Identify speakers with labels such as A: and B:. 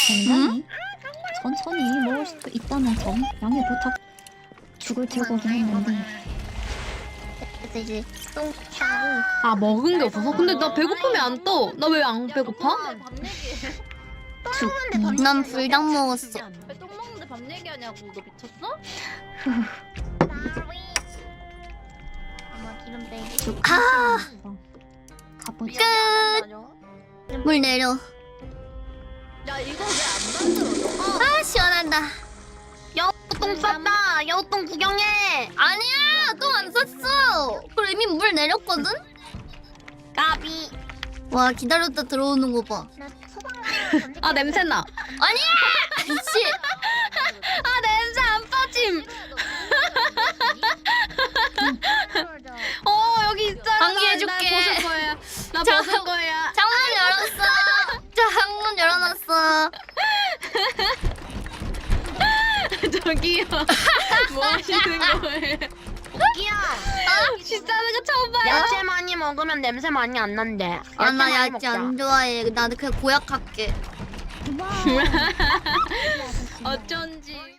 A: 굉장히 천천히 먹을 수도 있다는 점 양해 부탁. 죽을 들고긴 했는데.
B: 그래서 이제 똥 차고.
C: 아 먹은 게 없어서? 근데 나 배고프면 안 떠. 나 왜 안 배고파?
A: 죽.
B: 난 불닭 먹었어.
D: 왜 똥 먹는데 밥 얘기하냐고. 너 미쳤어?
B: 엄마 기름 빼기.
A: 죽.
B: 아!
A: 가보자.
B: 물 내려.
D: 야 이거 왜 안 만들어?
B: 아 시원하다.
D: 똥 쌌다. 여우똥 구경해.
B: 아니야 똥 안 쌌어. 그럼 이미 물 내렸거든.
D: 까비.
B: 와 기다렸다 들어오는 거 봐.
C: 아 냄새나.
B: 아니야. 미치.
C: 아 냄새 안 빠짐. 여기 있잖아.
B: 방귀해줄게.
C: 나 벗을 거야. 나
B: 자,
C: 벗을 거야.
B: 창문 열었어. 창문 열어놨어.
C: 저기요. 뭐 하시는 거예요?
D: 끼야.
C: 비싸는 거 처음 봐요.
D: 야채 많이 먹으면 냄새 많이 안 난대.
B: 아 나
D: 많이
B: 야채
D: 먹자.
B: 안 좋아해. 나는 그냥 고약할게.
C: 어쩐지.